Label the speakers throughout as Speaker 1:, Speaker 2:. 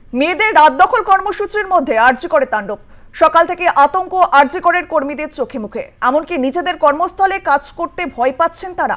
Speaker 1: মেয়েদের রাত দখল কর্মসূচির মধ্যে আরজিকরে তাণ্ডব। সকাল থেকে আতঙ্ক আরজিকরের কর্মীদের চোখে মুখে, এমনকি নিজেদের কর্মস্থলে কাজ করতে ভয় পাচ্ছেন তারা।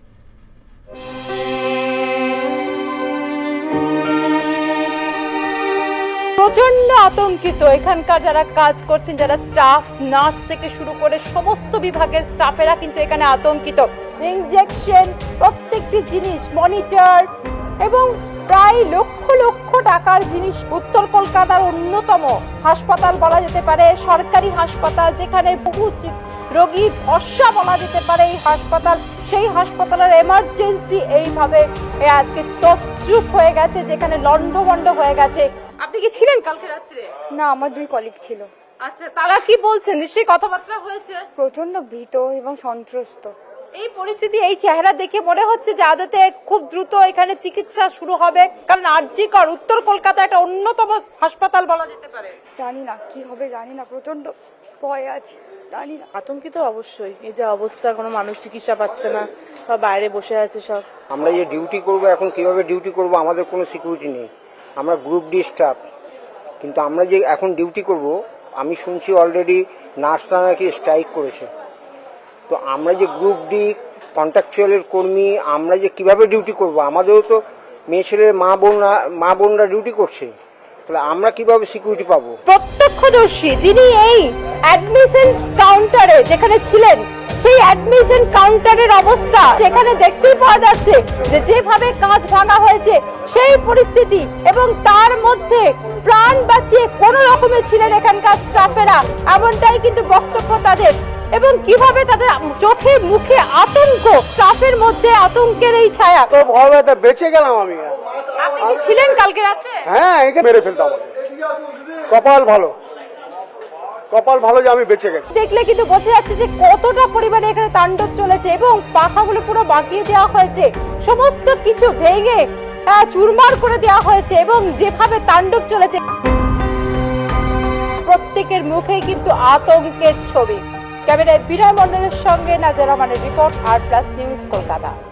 Speaker 2: প্রচন্ড আতঙ্কিত এখানকার যারা কাজ করছেন, যারা স্টাফ, নার্স থেকে শুরু করে সমস্ত বিভাগের স্টাফেরা কিন্তু এখানে আতঙ্কিত। ইনজেকশন, প্রত্যেকটি জিনিস, মনিটর এবং প্রায় লক্ষ লক্ষ টাকার জিনিস। উত্তর কলকাতার অন্যতম হাসপাতাল বলা যেতে পারে, সরকারি হাসপাতাল, যেখানে বহু রোগীর ভরসা বলা যেতে পারে এই হাসপাতাল। সেই হাসপাতালের এমার্জেন্সি এইভাবে আজকে তছরূপ হয়ে গেছে, যেখানে লন্ডভন্ড হয়ে গেছে। আপনি কি ছিলেন কালকে রাত্রে?
Speaker 3: না, আমার দুই কলিগ ছিল।
Speaker 2: আচ্ছা, তারা কি বলছেন? নিশ্চয়ই কথাবার্তা হয়েছে।
Speaker 3: প্রচন্ড ভীত এবং সন্ত্রস্ত।
Speaker 2: এই পরিস্থিতি, এই চেহারা দেখে মনে হচ্ছে যে আদতে খুব দ্রুত এখানে চিকিৎসা শুরু হবে, কারণ আরজিকর উত্তর কলকাতা একটা অন্যতম হাসপাতাল বলা যেতে পারে।
Speaker 3: জানি না কি হবে, জানি না, প্রচন্ড ভয় আছে, জানি না।
Speaker 4: আতঙ্কিত অবশ্যই। এই যে অবস্থা, কোনো মানুষ চিকিৎসা পাচ্ছে না, বা বাইরে বসে আছে সব।
Speaker 5: আমরা যে ডিউটি করব, এখন কিভাবে ডিউটি করব, আমাদের কোনো সিকিউরিটি নেই। আমরা গ্রুপ ডি স্টাফ, কিন্তু আমরা যে এখন ডিউটি করব, আমি শুনছি অলরেডি নার্সরা নাকি স্ট্রাইক করেছে। তো আমরা যে গ্রুপ ডি কন্ট্রাকচুয়ালের কর্মী, আমরা যে কিভাবে ডিউটি করব, আমাদেরও তো মেয়ে ছেলে মা বোনরা ডিউটি করছে, তাহলে আমরা কিভাবে সিকিউরিটি পাবো?
Speaker 2: প্রত্যক্ষদর্শী যিনি এই অ্যাডমিশন কাউন্টারে যেখানে ছিলেন, সেই অ্যাডমিশন কাউন্টারের অবস্থা যেখানে দেখতেই পাওয়া যাচ্ছে যে যেভাবে কাঁচ ভাঙা হয়েছে সেই পরিস্থিতি, এবং তার মধ্যে প্রাণ বাঁচিয়ে কোন রকমে ছিলেন এখানকার স্টাফেরা, এমনটাই কিন্তু বক্তব্য তাদের। এবং কিভাবে তাদের চোখে মুখে আতঙ্ক, স্টাফের মধ্যে আতঙ্কের এই ছায়া।
Speaker 5: তো ভয় ব্যথা বেঁচে গেলাম আমি।
Speaker 2: আপনি কি ছিলেন কালকে রাতে?
Speaker 5: হ্যাঁ, একে মেরে ফেলতাম। কপাল ভালো যে আমি বেঁচে গেছি।
Speaker 2: দেখলে কিন্তু বোঝা যাচ্ছে যে কতটা পরিমাণে এখানে তাণ্ডব চলেছে, এবং পাখাগুলো পুরো বাঁকিয়ে দেওয়া হয়েছে, সমস্ত কিছু ভেঙে চুরমার করে দেওয়া হয়েছে, এবং যেভাবে তাণ্ডব চলেছে প্রত্যেকের মুখেই কিন্তু আতঙ্কের ছবি। ক্যামেরায় বিনয় মণ্ডলের সঙ্গে নাজের রহমানের report, R plus news, Kolkata.